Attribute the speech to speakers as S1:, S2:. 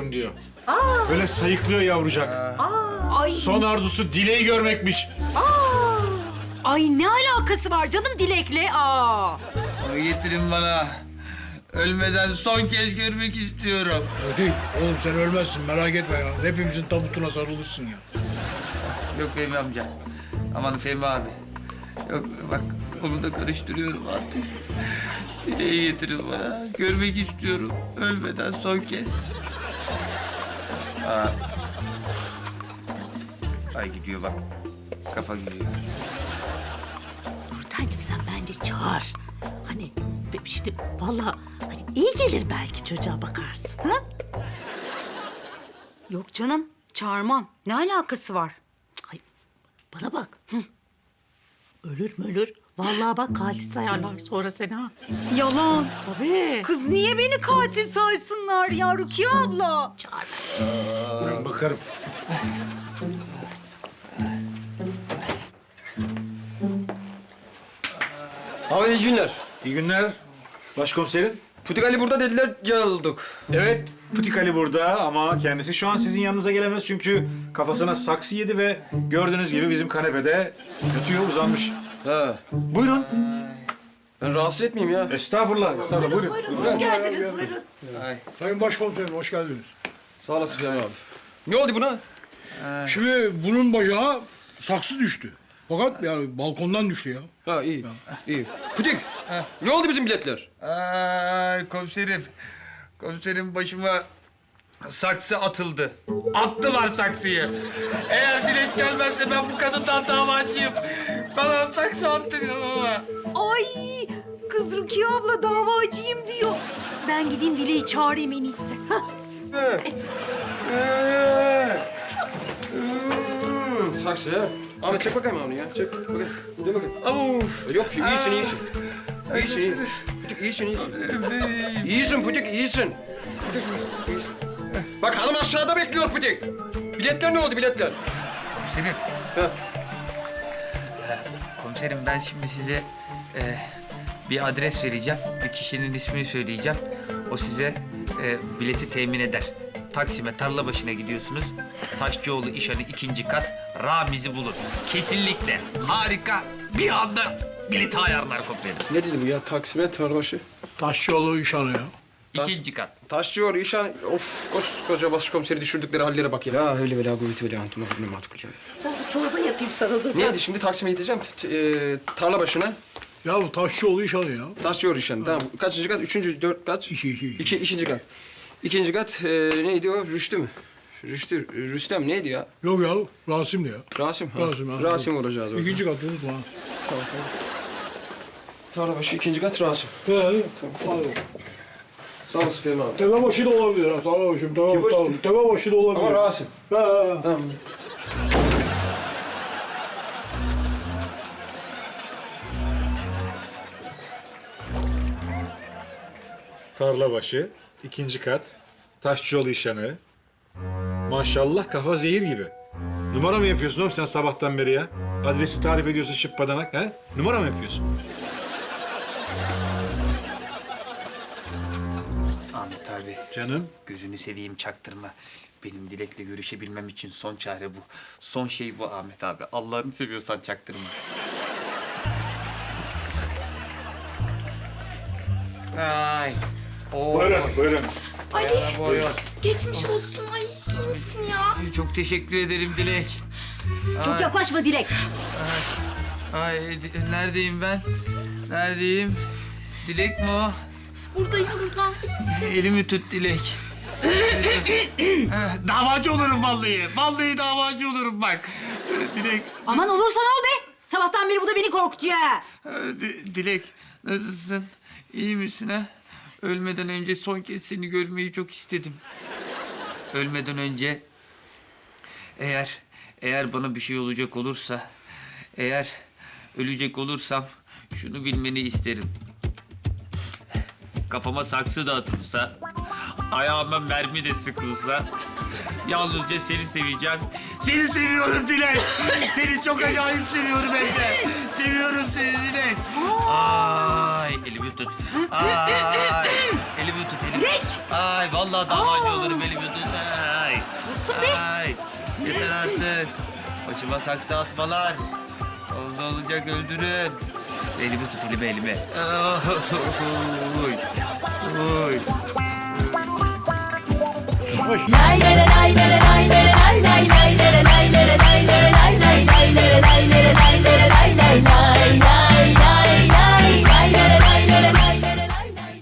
S1: istiyorum diyor. Böyle sayıklıyor yavrucak.
S2: Ay,
S1: Son arzusu Dilek'i görmekmiş.
S2: ay ne alakası var canım Dilek'le?
S3: Onu getirin bana. Ölmeden son kez görmek istiyorum.
S4: Ötey, oğlum sen ölmezsin merak etme ya. Hepimizin tabutuna sarılırsın ya.
S3: Yok Fehmi amca. Aman Fehmi abi. Yok bak onu da karıştırıyorum artık. Dileği getirin bana. Görmek istiyorum. Ölmeden son kez. Ay gidiyor bak. Kafa gidiyor.
S2: Nurtenciğim sen bence çağır. Hani işte vallahi hani iyi gelir belki çocuğa bakarsın ha?
S5: Yok canım, çağırmam. Ne alakası var?
S2: Ay, bana bak. Hı. Ölür mü ölür? Vallahi bak katil sayarlar sonra seni ha.
S5: Yalan.
S2: Tabii.
S5: Kız niye beni katil saysınlar ya Rukiye abla?
S2: Çağır.
S1: Ben bakarım.
S6: Abi iyi günler.
S1: İyi günler başkomiserim.
S6: Putik Ali burada dediler, geldik.
S1: Evet, Putik Ali burada ama kendisi şu an sizin yanınıza gelemez çünkü kafasına saksı yedi ve gördüğünüz gibi bizim kanepede yatıyor, uzanmış.
S6: He.
S1: Buyurun.
S6: Ben rahatsız etmeyeyim ya.
S1: Estağfurullah, estağfurullah. Buyurun.
S2: Hoş geldiniz buyurun.
S4: Sayın Başkomiserim hoş geldiniz.
S6: Sağ olasın Fehmi abi. Ne oldu buna?
S4: Şimdi bunun bacağına saksı düştü. Fakat yani balkondan düştü ya.
S6: Ha iyi. İyi. Putik. Ne oldu bizim biletler?
S3: Ay komiserim. Komiserim başıma saksı atıldı. Attılar saksıyı. Eğer Dilek gelmezse ben bu kadından davacıyım. Bana saksı attırıyor.
S5: Ay kız Rukiye abla davacıyım diyor. Ben gideyim Dilek'i çağırayım en iyisi.
S6: Saksı ya. Ahmet çek bakayım onu ya. Çek bakayım. Dur bakayım.
S3: Of.
S6: Yok şu iyisin iyisin. İyisin iyisin. Putik iyisin iyisin. İyisin Putik iyisin. Putik iyisin. Bak hanım aşağıda bekliyor Putik. Biletler ne oldu biletler?
S3: Komiserim.
S6: Ha.
S3: Komiserim ben şimdi size bir adres vereceğim. Bir kişinin ismini söyleyeceğim. O size bileti temin eder. Taksim'e tarla başına gidiyorsunuz. Taşçıoğlu İşhan'ı 2. kat Ramiz'i bulun. Kesinlikle harika bir anda bileti ayarlar komiserim.
S6: Ne dedi bu ya? Taksim'e tarlabaşı.
S4: Taşçıoğlu işanı ya.
S3: 2. kat.
S6: Taşçıyor, işan... Of, koskoca başkomiseri düşürdükleri hallere bak ya. Ya öyle vela kuvveti vela antuna ne matkul ya.
S2: Ben bir çorba yapayım sana dur.
S6: Neydi şimdi Taksim'e gideceğim. Tarla başına.
S4: Ya bu Taşçıoğlu işanı ya.
S6: Taşçıyor işan. Tamam. Kaçıncı kat? Üçüncü, dört kaç?
S4: İki.
S6: İkinci kat. İkinci kat neydi o? Rüştü mü? Rüstem neydi ya?
S4: Yok ya Rasim'di ya.
S6: Rasim. Ha.
S4: Rasim.
S6: Rasim olacağız orada.
S4: İkinci kat unutma.
S6: Tarla başı ikinci kat Rasim.
S4: He. Tamam.
S6: Sağ olasın Fehmi abi.
S4: Tepebaşı da olabilir ha. Tamam başım. Tamam.
S6: Tepebaşı-
S4: Tamam. Tepebaşı da olabilir.
S6: Ama Rasim.
S4: He.
S6: Tamam.
S1: Tarlabaşı, 2. kat, Taşçıoğlu işanı. Maşallah kafa zehir gibi. Numara mı yapıyorsun oğlum sen sabahtan beri ya? Adresi tarif ediyorsun şıppadanak ha? Numara mı yapıyorsun?
S3: Ahmet abi
S1: Canım.
S3: gözünü seveyim çaktırma. Benim Dilek'le görüşebilmem için son çare bu. Son şey bu Ahmet abi. Allah'ını seviyorsan çaktırma. Ay. Oo.
S1: Buyurun, buyurun.
S3: Buyurun.
S7: Geçmiş olsun. Ay iyi misin ya?
S3: Çok teşekkür ederim Dilek.
S2: Çok yaklaşma Dilek.
S3: Ay neredeyim ben? Neredeyim? Dilek mi o?
S7: Buradayım buradan.
S3: Elimi tut Dilek. Davacı olurum vallahi. Vallahi davacı olurum bak. Dilek,
S2: Aman olursa ne ol be? Sabahtan beri bu da beni korkutuyor ha.
S3: Dilek nasılsın? İyi misin ha? Ölmeden önce son kez seni görmeyi çok istedim. Ölmeden önce eğer bana bir şey olacak olursa, eğer ölecek olursam şunu bilmeni isterim. Kafama saksı da atılsa, ayağıma mermi de sıkılsa yalnızca seni seveceğim. Seni seviyorum Dilek. Seni çok acayip seviyorum hem de. Seviyorum seni Dilek. Ay elimi tut. Ay elimi tut elimi. Ay vallahi davacı olurum elimi tut. Yeter artık. Başıma saksı atmalar. Oldu olacak öldürün. Elimi tut elimi. Oy. Oy.
S1: Susmuş.
S8: Lay lay lay lay lay lay